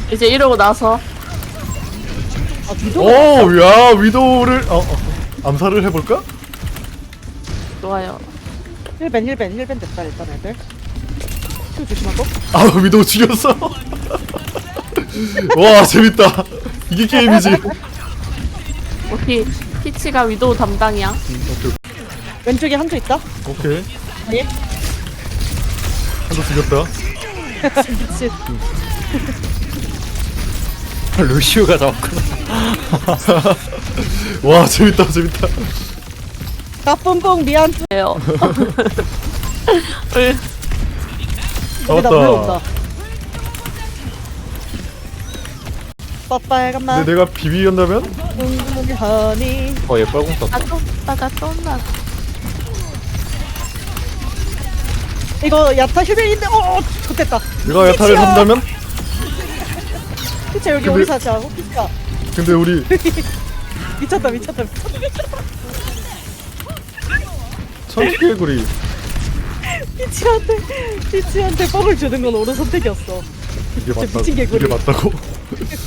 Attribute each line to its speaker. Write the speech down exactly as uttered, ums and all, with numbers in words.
Speaker 1: 이제 이러고 나서
Speaker 2: 아 위도.
Speaker 3: 오, 야, 위도우를 어, 어, 암살을 해볼까?
Speaker 1: 좋아요.
Speaker 2: 힐벤 힐벤 힐벤 됐다 일단 애들. 힐 조심하고.
Speaker 3: 아, 위도우 죽였어. 와, 재밌다. 이게 게임이지.
Speaker 1: 우리 피치가 위도우 담당이야.
Speaker 3: 오케이,
Speaker 2: 왼쪽에 한조 있다.
Speaker 3: 오케이.
Speaker 2: 예.
Speaker 3: 한도 죽였다.
Speaker 2: 미친.
Speaker 4: 루시우가 잡았구나.
Speaker 3: 와, 재밌다, 재밌다.
Speaker 2: 까뿜뽕 미안.
Speaker 1: 예요.
Speaker 2: 여기다
Speaker 3: 잡았다.
Speaker 2: 물려온다. 빨간맛.
Speaker 3: 근데 내가 비비였다면?
Speaker 2: 웅웅 허니.
Speaker 4: 어, 얘 빨공 썼다.
Speaker 1: 나 또, 나가 또 나.
Speaker 2: 이거 야타 힐벤인데 어 좋겠다.
Speaker 3: 내가 야타를
Speaker 2: 미치야.
Speaker 3: 산다면?
Speaker 2: 피차 여기
Speaker 3: 근데-
Speaker 2: 우리 사자. 피차.
Speaker 3: 근데 우리
Speaker 2: 미쳤다 미쳤다 미쳤다 미쳤다.
Speaker 3: 천개구리
Speaker 2: 피치한테 피치한테 뻥을 주는 건 옳은 선택이었어.
Speaker 3: 이게
Speaker 2: 진짜
Speaker 3: 맞다.
Speaker 2: 미친 개구리.
Speaker 3: 이게 맞다고?